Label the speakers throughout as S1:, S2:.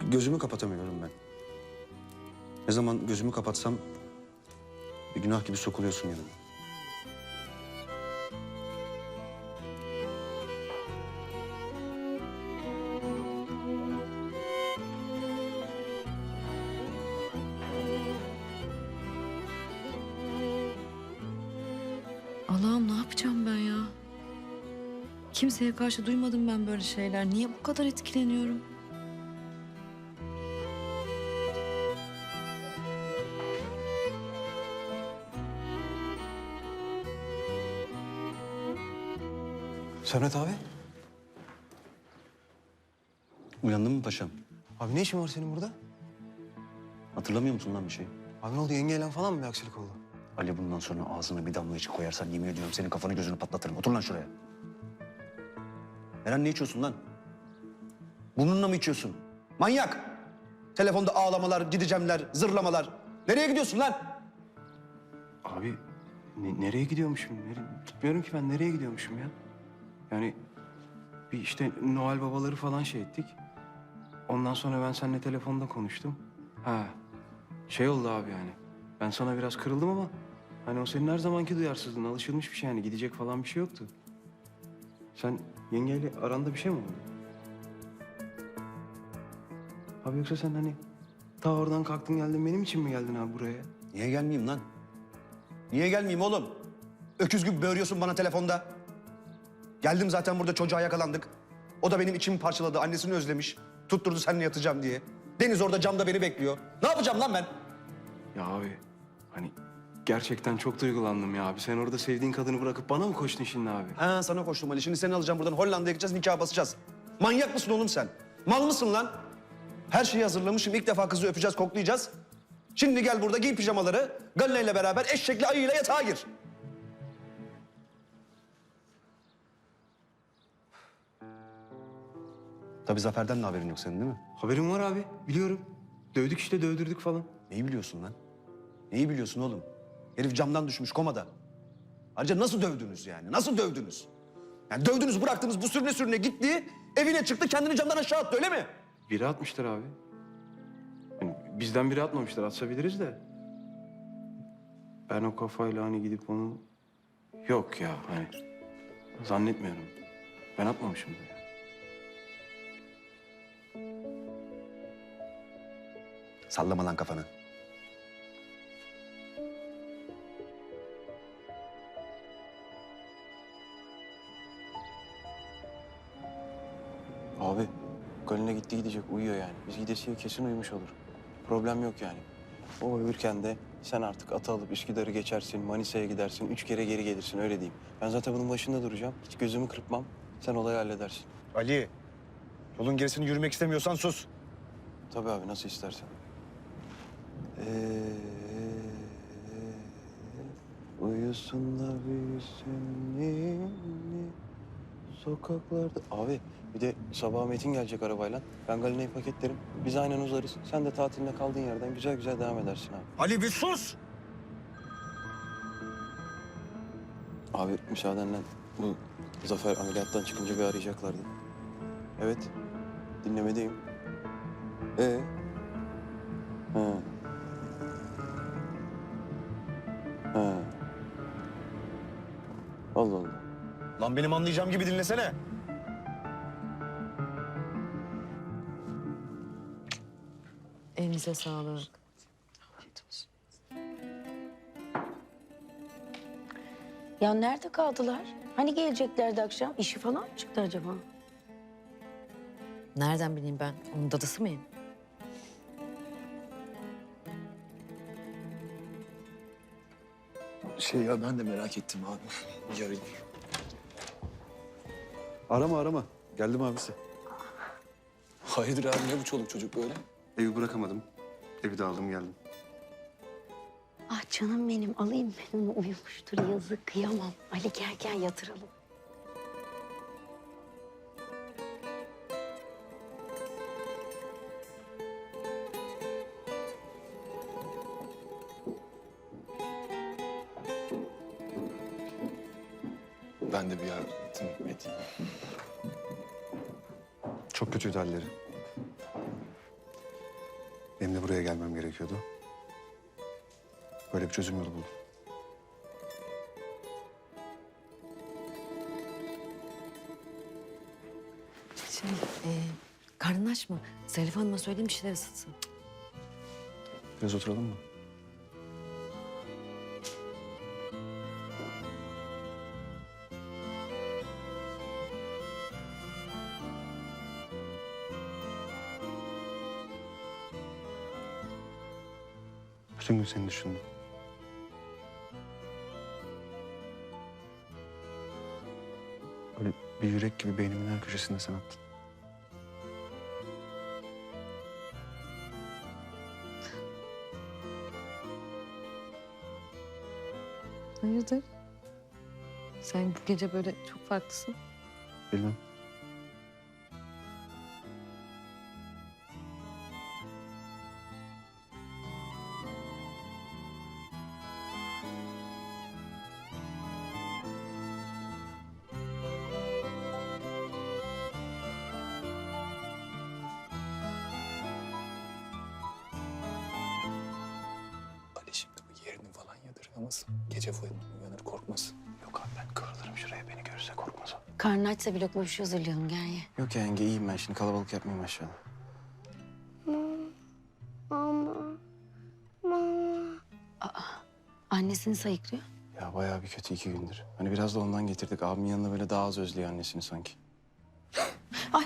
S1: Gözümü kapatamıyorum ben. Ne zaman gözümü kapatsam bir günah gibi sokuluyorsun yanıma.
S2: Allah'ım ne yapacağım ben ya? Kimseye karşı duymadım ben böyle şeyler. Niye bu kadar etkileniyorum?
S3: Sermet abi.
S1: Uyandın mı paşam?
S3: Abi ne işin var senin burada?
S1: Hatırlamıyor musun lan bir şey?
S3: Abi ne oldu, yengeyle falan mı bir aksilik oldu?
S1: Ali bundan sonra ağzına bir damla içi koyarsan yemin ediyorum senin kafanı gözünü patlatırım. Otur lan şuraya. Eren ne içiyorsun lan? Burnunla mı içiyorsun? Manyak! Telefonda ağlamalar, gideceğimler, zırlamalar. Nereye gidiyorsun lan?
S3: Abi nereye gidiyormuşum? Tutmuyorum ki ben, nereye gidiyormuşum ya? Yani bir işte Noel babaları falan şey ettik. Ondan sonra ben seninle telefonda konuştum. Ha, şey oldu abi yani. Ben sana biraz kırıldım ama hani o senin her zamanki duyarsızlığın, alışılmış bir şey yani, gidecek falan bir şey yoktu. Sen yengeyle aranda bir şey mi oldu? Abi yoksa sen hani ta oradan kalktın geldin, benim için mi geldin abi buraya?
S1: Niye gelmeyeyim lan? Niye gelmeyeyim oğlum? Öküz gibi böğürüyorsun bana telefonda. Geldim zaten, burada çocuğa yakalandık. O da benim içimi parçaladı, annesini özlemiş. Tutturdu seninle yatacağım diye. Deniz orada camda beni bekliyor. Ne yapacağım lan ben?
S3: Ya abi hani gerçekten çok duygulandım ya abi. Sen orada sevdiğin kadını bırakıp bana mı koştun şimdi abi?
S1: Ha, sana koştum Ali. Şimdi seni alacağım buradan, Hollanda'ya gideceğiz, nikah basacağız. Manyak mısın oğlum sen? Mal mısın lan? Her şeyi hazırlamışım. İlk defa kızı öpeceğiz, koklayacağız. Şimdi gel burada giy pijamaları. Galina ile beraber eşekli ayıyla yatağa gir. Tabii Zafer'den de haberin yok senin, değil mi?
S3: Haberim var abi, biliyorum. Dövdük işte, dövdürdük falan.
S1: Neyi biliyorsun lan? Neyi biliyorsun oğlum? Herif camdan düşmüş, komada. Ayrıca nasıl dövdünüz yani? Nasıl dövdünüz? Yani dövdünüz, bıraktınız, bu sürüne sürüne gitti. Evine çıktı, kendini camdan aşağı attı, öyle mi?
S3: Biri atmıştır abi. Yani bizden biri atmamıştır, atsa biliriz de. Ben o kafayla hani gidip onu... Yok ya hani zannetmiyorum. Ben atmamışımdır ya.
S1: Sallama lan kafanı.
S3: Abi Galina gitti gidecek, uyuyor yani. Biz gidesiye kesin uyumuş olur. Problem yok yani. O uyurken de sen artık atı alıp Üsküdar'ı geçersin, Manisa'ya gidersin, 3 kere geri gelirsin, öyle diyeyim. Ben zaten bunun başında duracağım. Hiç gözümü kırpmam. Sen olayı halledersin.
S1: Ali, yolun gerisini yürümek istemiyorsan sus.
S3: Tabii abi, nasıl istersen. Uyusun da büyüsün ninni sokaklarda. Abi bir de sabah Metin gelecek arabayla. Ben Galina'yı paketlerim. Biz aynen uzarız. Sen de tatiline kaldığın yerden güzel güzel devam edersin abi.
S1: Ali bir sus!
S3: Abi müsaadenle bu Zafer ameliyattan çıkınca bir arayacaklardı. Evet, dinlemedeyim. Ha. Ha. Allah Allah.
S1: Lan benim anlayacağım gibi dinlesene.
S2: Elinize sağlık.
S4: Ya nerede kaldılar? Hani geleceklerdi akşam? İşi falan mı çıktı acaba?
S2: Nereden bileyim ben? Onun dadısı mıyım?
S5: Ya ben de merak ettim abi. Yarın.
S1: Arama. Geldim abisi.
S5: Hayırdır abi, ne bu çoluk çocuk böyle?
S1: Evi bırakamadım. Evi de aldım geldim.
S4: Ah canım benim, alayım ben onu, uyumuştur yazık, kıyamam. Ali gel yatıralım.
S5: Ben de bir yardım edeyim.
S1: Çok kötüydü halleri. Benim de buraya gelmem gerekiyordu. Böyle bir çözüm yolu buldum.
S2: Karnın aç mı? Zarif Hanım'a söyleyeyim bir şeyler ısıtsın.
S1: Biraz oturalım mı? Bütün gün seni düşündüm. Böyle bir yürek gibi beynimin her köşesinde sen attın.
S2: Hayırdır? Sen bu gece böyle çok farklısın.
S1: Bilmem.
S5: Ali şimdi bu yerini falan yadırgamasın. Gece uyanır korkmasın.
S3: Yok abi ben kıvrılırım şuraya, beni görürse korkmaz o.
S4: Karnın açsa bir lokma bir şey hazırlayalım, gel ye.
S3: Yok ya yenge, iyiyim ben şimdi, kalabalık yapmayayım aşağıda.
S4: Annesini sayıklıyor.
S3: Ya bayağı bir kötü 2 gündür. Hani biraz da ondan getirdik. Abimin yanında böyle daha az özlüyor annesini sanki.
S4: Ay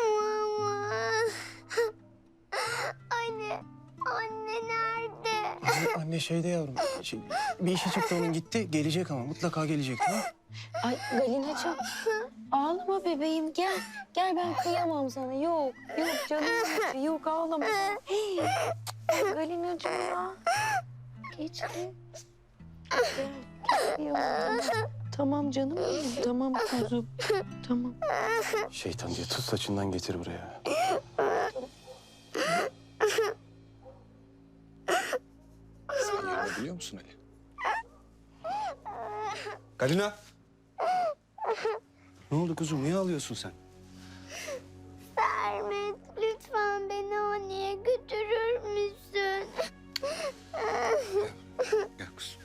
S6: Anne nerede?
S3: Anne şeyde yavrum. Bir işe çıktı onun, gitti. Gelecek ama mutlaka gelecek, tamam mı?
S4: Ay Galinacığım. Ağlama bebeğim, gel. Gel, ben kıyamam sana. Yok canım. Yok, ağlama. Hey, Galinacığım ya. Geçti. Gel, kıyamam. Tamam canım benim. Tamam kuzum. Tamam.
S3: Şeytan diye tut saçından getir buraya.
S5: Sen yerini biliyor musun Ali?
S1: Galina! Ne oldu kuzum? Niye ağlıyorsun sen?
S6: Sermet, lütfen beni anneye götürür müsün?
S1: Gel kuzum.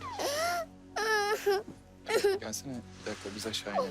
S5: Gelsene bir dakika biz aşağı inelim.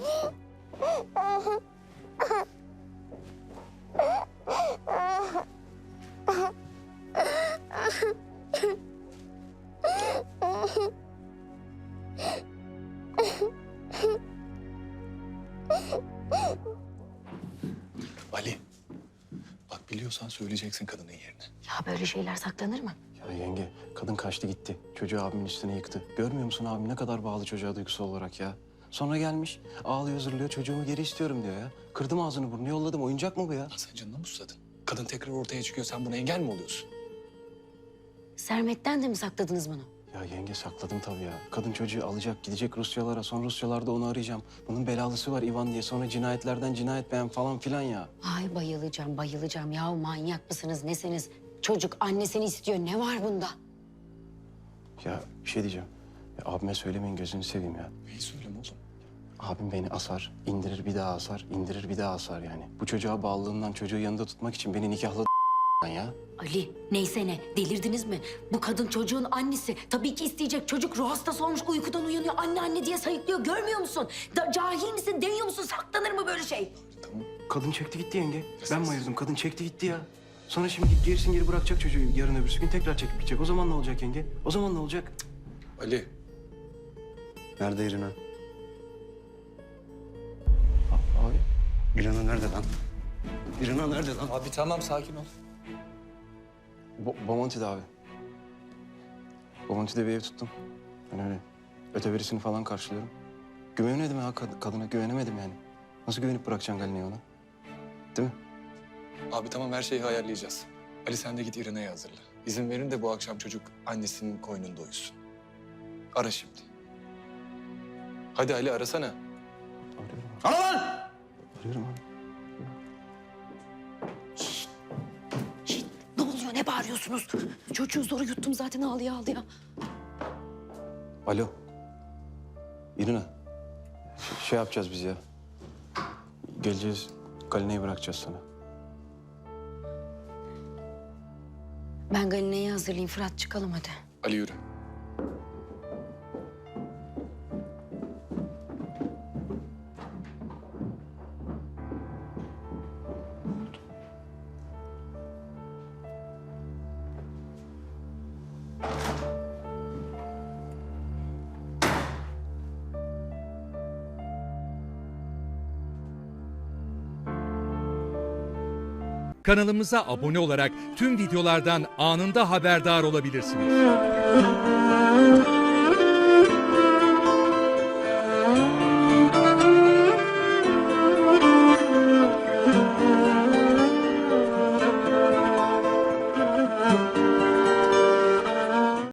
S5: Ali, bak biliyorsan söyleyeceksin kadının yerini.
S4: Ya böyle şeyler saklanır mı?
S3: Ya yenge, kadın kaçtı gitti. Çocuğu abimin üstüne yıktı. Görmüyor musun abim ne kadar bağlı çocuğa duygusal olarak ya? Sonra gelmiş, ağlıyor zırlıyor, çocuğumu geri istiyorum diyor ya. Kırdım ağzını burnunu, yolladım. Oyuncak mı bu ya?
S5: Lan sen canına mı susadın? Kadın tekrar ortaya çıkıyor, sen buna engel mi oluyorsun?
S4: Sermet'ten de mi sakladınız bunu?
S3: Ya yenge, sakladım tabii ya. Kadın çocuğu alacak, gidecek Rusyalara. Sonra Rusyalarda onu arayacağım. Bunun belalısı var Ivan diye. Sonra cinayetlerden cinayet beğen falan filan ya.
S4: Ay bayılacağım. Ya manyak mısınız, nesiniz? Çocuk annesini istiyor. Ne var bunda?
S3: Ya bir şey diyeceğim. Ya, abime söylemeyin, gözünü seveyim ya.
S5: Neyi söyleme oğlum?
S3: Abim beni asar, indirir bir daha asar, indirir bir daha asar yani. Bu çocuğa bağlılığından çocuğu yanında tutmak için beni nikahladı ya.
S4: Ali, neyse ne, delirdiniz mi? Bu kadın çocuğun annesi. Tabii ki isteyecek. Çocuk ruh hastası olmuş, uykudan uyanıyor. Anne diye sayıklıyor. Görmüyor musun? Cahil misin, deniyor musun? Saklanır mı böyle şey?
S5: Tamam.
S3: Kadın çekti gitti yenge. Ben mi ayırdım? Kadın çekti gitti ya. Sonra şimdi gerisin geri bırakacak çocuğu, yarın öbürsü gün tekrar çekip gidecek. O zaman ne olacak yenge? O zaman ne olacak? Cık.
S5: Ali,
S1: Nerede Irina?
S3: Abi.
S1: Irina nerede lan? Irina nerede lan?
S5: abi tamam sakin ol.
S3: Bomonti'de abi. Bomonti'de bir ev tuttum. Ben öyle öteverisini falan karşılıyorum. Güvenemedim ya kadına, güvenemedim yani. Nasıl güvenip bırakacaksın Galina'yı ona? Değil mi?
S5: Abi tamam her şeyi ayarlayacağız. Ali sen de git İrene'yi hazırla. İzin verin de bu akşam çocuk annesinin koynunda uyusun. Ara şimdi. Hadi Ali arasana.
S3: Arıyorum abi.
S1: Ana lan!
S3: Arıyorum abi.
S2: Ne oluyor? Ne bağırıyorsunuz? Çocuğu zor yuttum zaten, ağlaya.
S3: Alo. İrina. Şey yapacağız biz ya. Geleceğiz, Galina'yı bırakacağız sana.
S4: Ben Galine'yi hazırlayayım. Fırat çıkalım hadi.
S5: Ali yürü.
S7: Kanalımıza abone olarak tüm videolardan anında haberdar olabilirsiniz.